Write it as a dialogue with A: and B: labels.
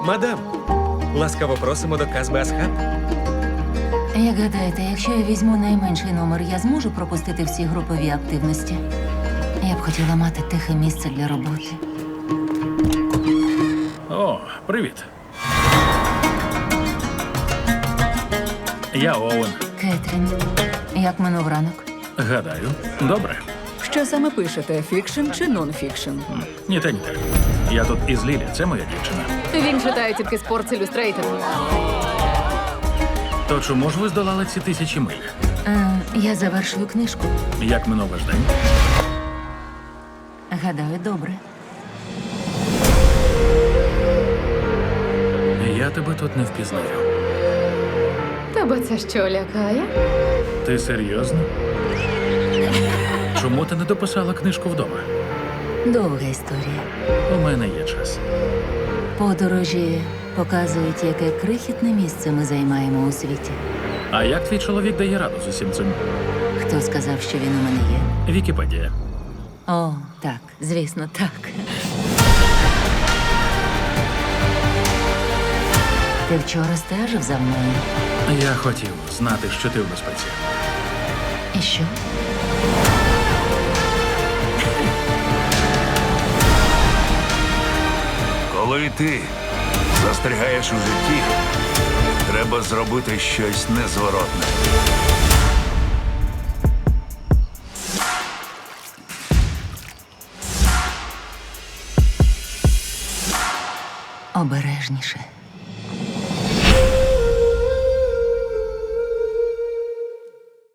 A: Мадам, ласкаво просимо до Казбе Асхаб.
B: Як гадаєте, якщо я візьму найменший номер, я зможу пропустити всі групові активності? Я б хотіла мати тихе місце для роботи.
C: О, привіт. Я Оуен.
B: Кетрін, як минув ранок?
C: Гадаю, добре.
D: Що саме пишете? Фікшн чи нон-фікшн?
C: Ні те, ні те. Я тут із Лілі, це моя дівчина.
D: Він читає тільки Sports Illustrated.
C: То чому ж ви здолали ці 1000 миль?
B: Я завершую книжку.
C: Як минув ваш день?
B: Гадаю, добре.
C: Я тебе тут не впізнаю.
D: Тебе це що, лякає?
C: Ти серйозно? Чому ти не дописала книжку вдома?
B: Довга історія.
C: У мене є час.
B: Подорожі показують, яке крихітне місце ми займаємо у світі.
C: А як твій чоловік дає раду з усім цим?
B: Хто сказав, що він у мене є?
C: Вікіпедія.
B: О, так, звісно, так. Ти вчора стежив за мною?
C: Я хотів знати, що ти в безпеці.
B: І що?
E: Коли ти застрягаєш у житті, треба зробити щось незворотне.
B: Обережніше.